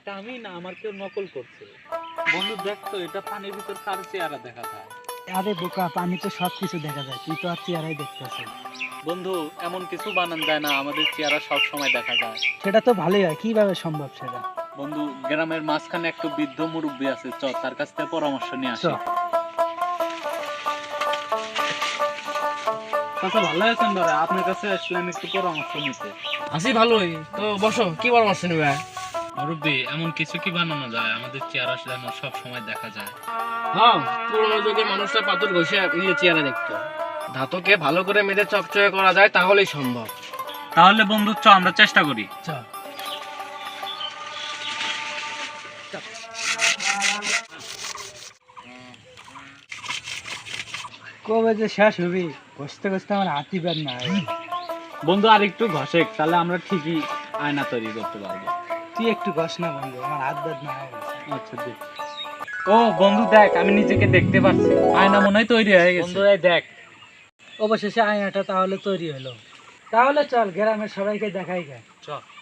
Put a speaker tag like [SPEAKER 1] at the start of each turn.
[SPEAKER 1] এটা আমি না, আমার কেউ নকল করছে। বন্ধু দেখ তো, এটা পানির ভিতর কার চেহারা দেখা যায়?
[SPEAKER 2] আরে বোকা, পানি তো সবকিছু দেখা যায়, তুই তো আর চেহারাই দেখতেছিস।
[SPEAKER 1] বন্ধু এমন কিছু বানান যায় না আমাদের চেহারা সব সময় দেখা যায়।
[SPEAKER 2] সেটা তো ভালোই হয়, কিভাবে সম্ভব সেটা?
[SPEAKER 1] বন্ধু গ্রামের মাঝখানে একটা বৃদ্ধ মুরব্বী আছে, চ তার কাছ থেকে পরামর্শ নিয়ে আসি। আচ্ছা ভালো আছেন দাদা, আপনার কাছে আসলাম একটু পরামর্শ নিতে।
[SPEAKER 3] আছি ভালোই তো, বসো, কি পরামর্শ নেবে?
[SPEAKER 1] মুরব্বী এমন কিছু কি বানানো যায় আমাদের চেহারা যেন সব সময় দেখা যায়?
[SPEAKER 3] হ্যাঁ, পুরোনো যুগে মানুষরা পাথর ঘষে নিজে চেহারা দেখতো। ধাতুকে ভালো করে মেরে চকচকে করা যায়, তাহলেই সম্ভব।
[SPEAKER 1] তাহলে বন্ধু চ আমরা চেষ্টা করি।
[SPEAKER 3] চল।
[SPEAKER 2] কবে যে শেষ হবি, ঘষতে ঘষতে আমার হাতি ব্যাগ না হয়।
[SPEAKER 1] বন্ধু আর একটু ঘষেক, তাহলে আমরা ঠিকই আয়না তৈরি করতে পারবো।
[SPEAKER 2] তুই একটু ঘষ না বন্ধু, আমার হাত ব্যাগ না হয়।
[SPEAKER 1] আচ্ছা দেখ। ও বন্ধু দেখ, আমি নিজেকে দেখতে পাচ্ছি, আয়না মনে হয় তৈরি হয়ে গেছে। বন্ধু এই দেখ।
[SPEAKER 2] অবশেষে আয়নাটা তাহলে তৈরি হলো। তাহলে চল গ্রামের সবাইকে দেখাই গে।
[SPEAKER 1] চল।